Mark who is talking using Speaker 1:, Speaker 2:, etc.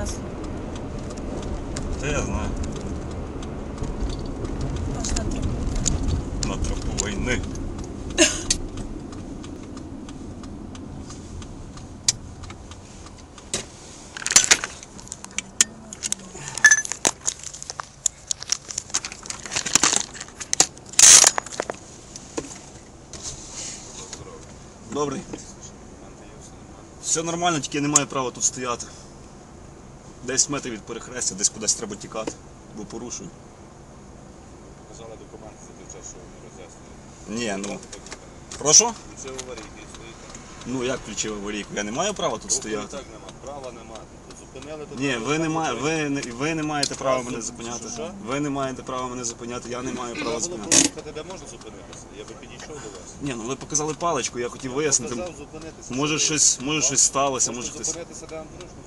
Speaker 1: час.
Speaker 2: Та я знаю.
Speaker 1: Аж на тропу.
Speaker 2: На тропу війни. Добрий. Все нормально, тільки я не маю права тут стояти. 10 метрів від перехрестя, десь кудись треба тікати, бо порушую.
Speaker 3: Показали документи за той час, що вони роз'яснюють.
Speaker 2: Ні, ну. Прошу?
Speaker 3: Це аварійки стоїть.
Speaker 2: Ну як включив аварійку? Я не маю права тут стояти.
Speaker 3: Так нема, права нема. Зупинили тут.
Speaker 2: Ні, ви не маєте права мене зупиняти.
Speaker 3: Що?
Speaker 2: Ви не маєте права мене зупиняти, я не маю права
Speaker 3: Треба було
Speaker 2: зупиняти.
Speaker 3: проїхати, де можна зупинитися. Я би підійшов до вас.
Speaker 2: Ні, ну ви показали паличку, я хотів вияснити.
Speaker 3: Сказав зупинитися.
Speaker 2: Може щось сталося, може
Speaker 3: Можна
Speaker 2: хтось.
Speaker 3: зупинитися, де вам зручно.